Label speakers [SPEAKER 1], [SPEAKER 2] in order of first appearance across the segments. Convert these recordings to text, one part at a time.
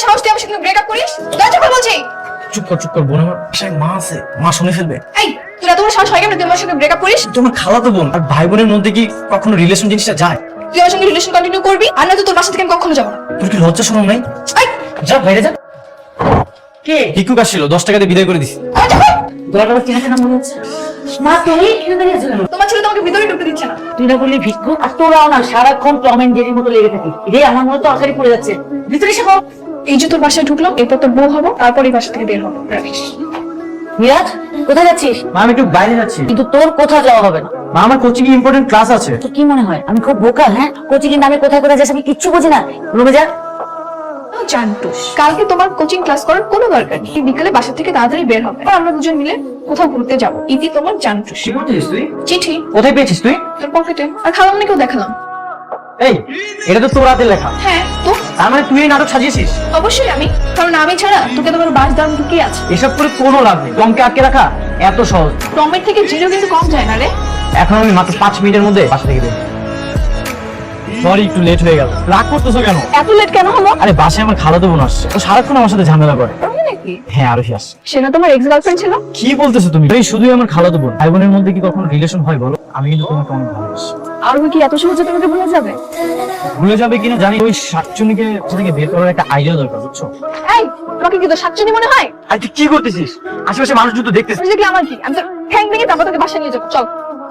[SPEAKER 1] সাহস তুই আমার সাথে ব্রেকআপ করিস? দরজা খোল বলছি।
[SPEAKER 2] চুপ কর বোন, আমার বাসায় মা আছে, মা শুনে ফেলবে।
[SPEAKER 1] এই তোরা তোমার সাহস হয় কেন তুই আমার সঙ্গে ব্রেকআপ করিস?
[SPEAKER 2] তোমার খালাতো বোন আর ভাই বোনের মধ্যে কি কখনো রিলেশন জিনিসটা যায়?
[SPEAKER 1] তুই আমার সঙ্গে রিলেশন কন্টিনিউ করবি, আর না তো তোর বাসা থেকে আমি কখনো যাবো না।
[SPEAKER 2] তোর কি লজ্জা শরম নাই?
[SPEAKER 1] এই
[SPEAKER 2] যা বাইরে যা। কে ভিক্ষুক আসছিল, 10 টাকা দিয়ে বিদায় করে দিছি।
[SPEAKER 1] দরজা খোল।
[SPEAKER 3] দরকার চেনা চেনা মনে হচ্ছে। মা তুই এখানে দাঁড়িয়ে আছো কেন?
[SPEAKER 1] তোমার ছেলে তোমাকে ভিতরে ঢুকতে দিচ্ছে না।
[SPEAKER 3] তুই না বললি ভিক্ষুক, আর তোরাও না সারাক্ষণ টম এন্ড জেরির মতো লেগে থাকি। রে আমার মনে তো তরকারি পড়ে যাচ্ছে, ভিতরে এসে বল।
[SPEAKER 1] এই যে তোর বাসায় ঢুকলাম, এরপর তোর বউ হবো, তারপর এই বাসা থেকে বের হবো। রাখিস।
[SPEAKER 3] মিরাজ কোথায় যাচ্ছিস?
[SPEAKER 2] মা আমি একটু বাইরে যাচ্ছি।
[SPEAKER 3] কিন্তু তোর কোথাও যাওয়া হবে না।
[SPEAKER 2] মা আমার কোচিং এ ইম্পর্টেন্ট ক্লাস আছে।
[SPEAKER 3] তোর কি মনে হয় আমি খুব বোকা? হ্যাঁ, কোচিং এর নামে কোথায় কোথায় যাস আমি কিচ্ছু বুঝি না। রুমে যা।
[SPEAKER 1] জানতুস কালকে তোমার কোচিং ক্লাস করার কোনো দরকার নেই। বিকালে বাসা থেকে তাড়াতাড়ি বের হবে, আর আমরা দুজন মিলে কোথাও ঘুরতে যাবো। ইতি তোমার জানতুস।
[SPEAKER 2] কি করছিস তুই?
[SPEAKER 1] চিঠি
[SPEAKER 2] কোথায় পেয়েছিস তুই?
[SPEAKER 1] তোর পকেটে, আর খালামণিকেও দেখালাম।
[SPEAKER 2] এই এটা তো তোর হাতে লেখা।
[SPEAKER 1] হ্যাঁ তো
[SPEAKER 2] তার মানে তুই এই নাটক সাজিয়েছিস?
[SPEAKER 1] অবশ্যই আমি, কারণ আমি ছাড়া তোকে তোমার বাস দাম ঢুকিয়ে আছে।
[SPEAKER 2] এসব করে কোনো লাভ নেই। টমকে আটকে রাখা এত সহজ।
[SPEAKER 1] টমের থেকে জিরো কিন্তু কম যায় না রে।
[SPEAKER 2] এখন আমি মাত্র 5 মিনিটের মধ্যে বাসা থেকে বের। সরি একটু লেট হয়ে গেল। রাগ করতেছো কেন?
[SPEAKER 1] এত লেট কেন হলো?
[SPEAKER 2] আরে বাসায় আমার খালাতো বোন আসছে, ও সারাক্ষণ আমার সাথে ঝামেলা করে।
[SPEAKER 1] টমি নাকি?
[SPEAKER 2] হ্যাঁ আরোহী আসছে।
[SPEAKER 1] সে না তোমার এক্স গার্লফ্রেন্ড ছিল?
[SPEAKER 2] কি বলতেছো তুমি? এই শুধুই আমার খালাতো বোন, ভাই বোনের মধ্যে কি কখনো রিলেশন হয় বলো? আমি কিন্তু তোমাকে অনেক ভালোবাসি।
[SPEAKER 1] আর কি এত সহজে তোমাকে ভুলে যাবে?
[SPEAKER 2] ভুলে যাবে কিনা জানি, ওই শাকচুনিকে থেকে বের করার একটা আইডিয়া দরকার, বুঝছো?
[SPEAKER 1] এই তোমাকে কি তো সাতচুনি মনে হয়?
[SPEAKER 2] আর তুই কি করতেছিস? আশেপাশে মানুষ যুদ্ধ দেখতেছিস।
[SPEAKER 1] তুই দেখলে আমার কি? আমি তো ঠ্যাং ভেঙে তারপর তোকে বাসায় নিয়ে যাবো। চল।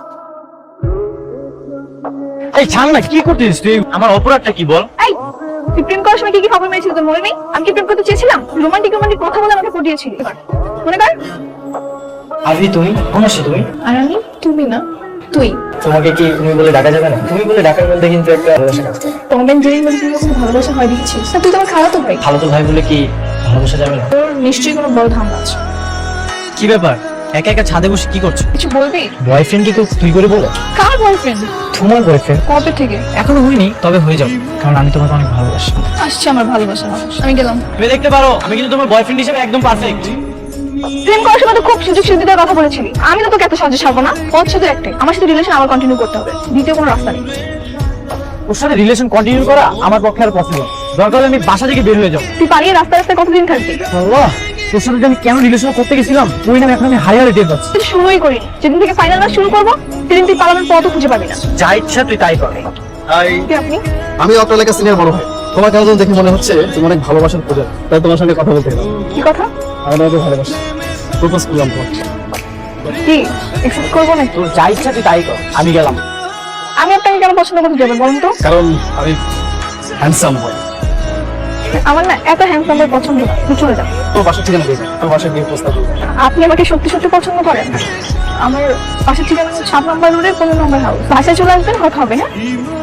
[SPEAKER 2] এই ছাড় না, কি করতেছিস তুই? আমার অপরাধটা কি বল?
[SPEAKER 1] এই তুই প্রেম করার সময় কি কি খবর মেরেছিল তোর মনে নেই? আমি কি প্রেম করতে চেয়েছিলাম? রোমান্টিক কথা বলে আমাকে পটিয়েছিলি। মনে কর।
[SPEAKER 2] আরবি তুমি কোন আসছে তুমি?
[SPEAKER 1] আর আমি তুমি না তুই।
[SPEAKER 2] তোমাকে কি তুমি বলে ডাকা যাবে না? তুমি বলে ডাকার মধ্যে কিন্তু একটা ভালোবাসা কাজ করে।
[SPEAKER 1] টম এন্ড জেরির মধ্যে তুমি কখনো ভালোবাসা হয় দেখেছিস? না তুই তো আমার খালাতো ভাই।
[SPEAKER 2] খালাতো ভাই বলে কি ভালোবাসা যাবে না?
[SPEAKER 1] তোর নিশ্চয়ই কোনো বড় ধান্দা আছে।
[SPEAKER 2] কি ব্যাপার? একা একা ছাদে বসে কি করছো?
[SPEAKER 1] কিছু বলবি?
[SPEAKER 2] বয়ফ্রেন্ড কি তুই করে বলো?
[SPEAKER 1] কার বয়ফ্রেন্ড?
[SPEAKER 2] তোমার বয়ফ্রেন্ড।
[SPEAKER 1] কবে থেকে?
[SPEAKER 2] এখনো হয়নি, তবে হয়ে যাবে, কারণ আমি তোমাকে অনেক ভালোবাসি।
[SPEAKER 1] আসছে আমার ভালোবাসা মানুষ। আমি গেলাম।
[SPEAKER 2] তুমি দেখতে পারো আমি কিন্তু তোমার বয়ফ্রেন্ড হিসেবে একদম পারফেক্ট।
[SPEAKER 1] প্রেম করার সময় তো খুব সুযোগ সুবিধার কথা বলেছিলি। আমি তো তোকে এত সহজে ছাড়বো না। ওর সাথে একটাই, আমার সাথে রিলেশন আমার কন্টিনিউ করতে হবে। দ্বিতীয় কোনো রাস্তা নেই।
[SPEAKER 2] ওর সাথে রিলেশন কন্টিনিউ করা আমার পক্ষে আর পসিবল। দরকার হলে আমি বাসা থেকে বের হয়ে যাবো।
[SPEAKER 1] তুই পালিয়ে রাস্তায় রাস্তায় কতদিন থাকবি?
[SPEAKER 2] আল্লাহ, তোর সাথে যে আমি কেন রিলেশন করতে গেছিলাম তুই না, এখন আমি হারিয়ে টের পাচ্ছি।
[SPEAKER 1] তুই শুরুই করি, যেদিন থেকে ফাইনাল ম্যাচ শুরু করবো সেদিন তুই পালানোর পথও খুঁজে পাবি না।
[SPEAKER 2] যা ইচ্ছা তুই তাই কর।
[SPEAKER 1] কে আপনি?
[SPEAKER 4] আমি অটো এলাকা সিনিয়র বড় ভাই। তোমার কেন দেখে মনে হচ্ছে তুমি অনেক ভালোবাসার প্রজা, তাই তোমার সঙ্গে কথা বলতে এলাম।
[SPEAKER 1] কি কথা?
[SPEAKER 4] আমি তোমাকে ভালোবাসি, প্রপোজ করলাম তোমাকে।
[SPEAKER 1] কি এক্সেপ্ট করবো নাকি?
[SPEAKER 2] তোর যা ইচ্ছা তুই তাই কর, আমি গেলাম।
[SPEAKER 1] আমি আপনাকে কেন পছন্দ করতে যাবো বলুন তো?
[SPEAKER 4] কারণ আমি হ্যান্ডসাম বয়।
[SPEAKER 1] আমার না এত হ্যান্ডসাম বয় পছন্দ না। তুই চলে যাও।
[SPEAKER 4] তোর বাসার ঠিকানা দিয়েছি, তোর বাসায় গিয়ে প্রস্তাব করবো।
[SPEAKER 1] আপনি আমাকে সত্যি সত্যি পছন্দ করেন? আমার পাশের ঠিকানা 7 নম্বর রোডে 15 নম্বর হাউস। বাসায় চলে আসবেন, কথা হবে। হ্যাঁ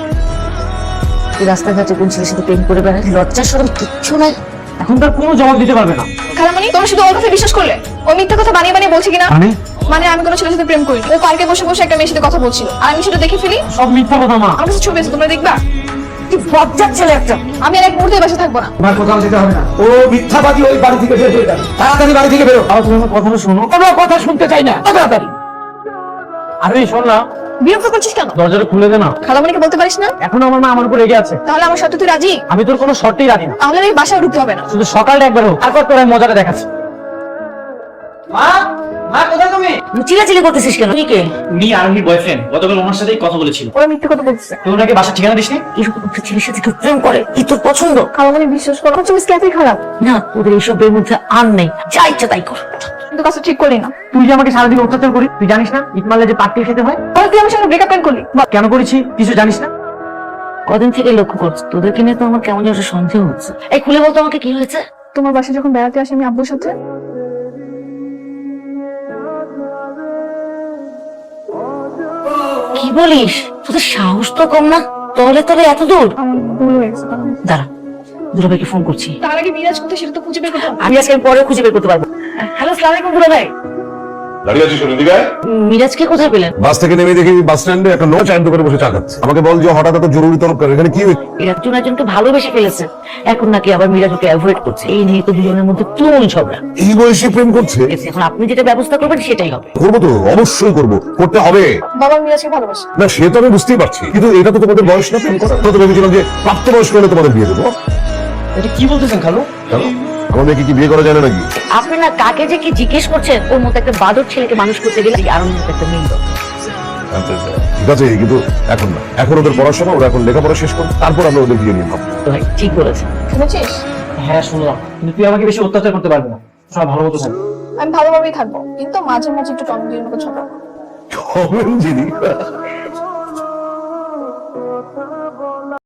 [SPEAKER 3] তুই রাস্তাঘাটে কোন ছেলের সাথে প্রেম করে বেড়াস? লজ্জা শরম কিচ্ছু নাই।
[SPEAKER 2] এখন তার কোনো জবাব দিতে পারবে না।
[SPEAKER 1] খালামণি, তোমরা শুধু ওর কথা বিশ্বাস করলে? ও মিথ্যা কথা বানিয়ে বানিয়ে বলছে কিনা? মানে আমি কোনো ছেলের সাথে প্রেম করি। ও পার্কে বসে বসে একটা মেয়ের সাথে কথা বলছিল, আর আমি সেটা দেখে ফেলি।
[SPEAKER 2] সব মিথ্যা কথা মা।
[SPEAKER 1] আমার কাছে ছবি আছে, তোমরা দেখবা।
[SPEAKER 3] তুই বজ্জাত ছেলে একটা।
[SPEAKER 1] আমি আর এক মুহূর্তে বাসা থাকবো না।
[SPEAKER 4] তোমার কোথাও যেতে হবে না। ও মিথ্যাবাদী, ওই বাড়ি থেকে বের হয়ে যাবে। তাড়াতাড়ি বাড়ি থেকে বেরো।
[SPEAKER 2] আর তুমি আমার কথাটা শোনো।
[SPEAKER 4] কোনো কথা শুনতে চাই না, তাড়াতাড়ি।
[SPEAKER 2] আরে শোন না,
[SPEAKER 1] বিরক্ত করছিস কেন?
[SPEAKER 2] দরজাটা খুলে দে না।
[SPEAKER 1] খালামণিকে বলতে পারিস না?
[SPEAKER 2] এখন আমার মা আমার উপর রেগে আছে।
[SPEAKER 1] তাহলে আমার সাথে তুই রাজি?
[SPEAKER 2] আমি তোর কোনো শর্তেই রাজি না।
[SPEAKER 1] তাহলে আমি বাসায় ঢুকতে হবে না।
[SPEAKER 2] শুধু সকালটা একবার হোক, তারপর তোর আমি মজাটা দেখাচ্ছি। মা, মা কোথায় তুমি?
[SPEAKER 3] চিল্লাচিল্লি করতেছিস কেন? তুই কে?
[SPEAKER 2] উনি আরোহীর বয়ফ্রেন্ড, গতকাল ওনার সাথেই কথা বলেছিল।
[SPEAKER 1] ওরা মিথ্যে কথা বলছে।
[SPEAKER 2] তুই ওনাকে বাসার ঠিকানা দিসনি?
[SPEAKER 3] এরকম একটা ছেলের সাথে কেউ প্রেম করে? কি তোর পছন্দ?
[SPEAKER 1] খালামণি বিশ্বাস করো, আমার চোখ স্ক্যাপই খারাপ।
[SPEAKER 3] না, তোদের এইসবের মধ্যে আর নেই। যা ইচ্ছা তাই কর।
[SPEAKER 1] কিন্তু কাজটা ঠিক করলি না।
[SPEAKER 2] তুই যে আমাকে সারাদিন অত্যাচার করিস, তুই জানিস না ইট মারলে যে পাট্টি খেতে হয়?
[SPEAKER 1] তাহলে তুই আমার সঙ্গে ব্রেকআপ কেন করলি?
[SPEAKER 2] কেন করেছি কিছু জানিস না?
[SPEAKER 3] কদিন থেকে লক্ষ্য করছি তোদেরকে নিয়ে তো আমার কেমন যেন একটা সন্দেহ হচ্ছে। এই খুলে বলতো আমাকে কি হয়েছে?
[SPEAKER 1] তোমার বাসায় যখন বেড়াতে আসি আমি আব্বুর সাথে,
[SPEAKER 3] কি বলিস? তোদের সাহস তো কম না। তলে তলে এত দূর?
[SPEAKER 1] আমার ভুল হয়ে গেছে।
[SPEAKER 3] দাঁড়া, দুলাভাইকে ফোন করছি।
[SPEAKER 1] তার আগে মিরাজ কোথায় সেটা তো খুঁজে বের করতে হবে।
[SPEAKER 3] আমি আজকে পরে খুঁজে বের করতে পারবো। হ্যালো, আসসালামু আলাইকুম দুলাভাই।
[SPEAKER 5] দাঁড়িয়ে আছিস কেন দিঘায়?
[SPEAKER 3] মিরাজকে কোথায় পেলেন?
[SPEAKER 5] বাস থেকে নেমে দেখি বাস স্ট্যান্ডে একটা নো চায়ের দোকানে বসে চা খাচ্ছে। আমাকে বল যে হঠাৎ এত জরুরি তরকার, এখানে কি হয়েছে?
[SPEAKER 3] একজন একজনকে ভালোবেসে ফেলেছে, এখন নাকি আবার মিরাজ ওকে অ্যাভয়েড করছে। এই নিয়ে তো দুজনের মধ্যে তুমুল ঝগড়া।
[SPEAKER 5] এই বয়সে প্রেম করছে?
[SPEAKER 3] এখন আপনি যেটা ব্যবস্থা করবেন সেটাই হবে।
[SPEAKER 5] করবো তো, অবশ্যই করবো, করতে হবে।
[SPEAKER 1] বাবা মিরাজকে ভালোবাসে।
[SPEAKER 5] না সে তো আমি বুঝতেই পারছি, কিন্তু এটা তো তোমাদের বয়স না প্রেম করা। তো ভেবেছিলাম যে প্রাপ্তবয়স্ক হলে তোমাদের বিয়ে দেবো।
[SPEAKER 2] এটা কি বলতেছেন খালু?
[SPEAKER 5] কেন আমার মেয়েকে কি বিয়ে করা যায় না নাকি?
[SPEAKER 3] আপনি না কাকে যে কি জিজ্ঞেস করছেন, ওর মতো একটা বাদর ছেলেকে মানুষ করতে গেলে আর ওর মতো একটা মেয়ে দরকার।
[SPEAKER 5] ঠিক আছে, কিন্তু এখন না, এখন ওদের পড়াশোনা, ওরা এখন লেখাপড়া শেষ করুন, তারপর আমরা ওদের বিয়ে নিয়ে ভাববো।
[SPEAKER 3] তো ভাই ঠিক বলেছেন।
[SPEAKER 1] শুনেছিস?
[SPEAKER 2] হ্যাঁ শুনলাম, কিন্তু তুই আমাকে বেশি অত্যাচার করতে পারবি না। সব ভালো মতো থাকবে।
[SPEAKER 1] আমি ভালোভাবেই থাকবো, কিন্তু মাঝে মাঝে একটু টম জেরির মতো ছোট।
[SPEAKER 5] Tom and Jerry?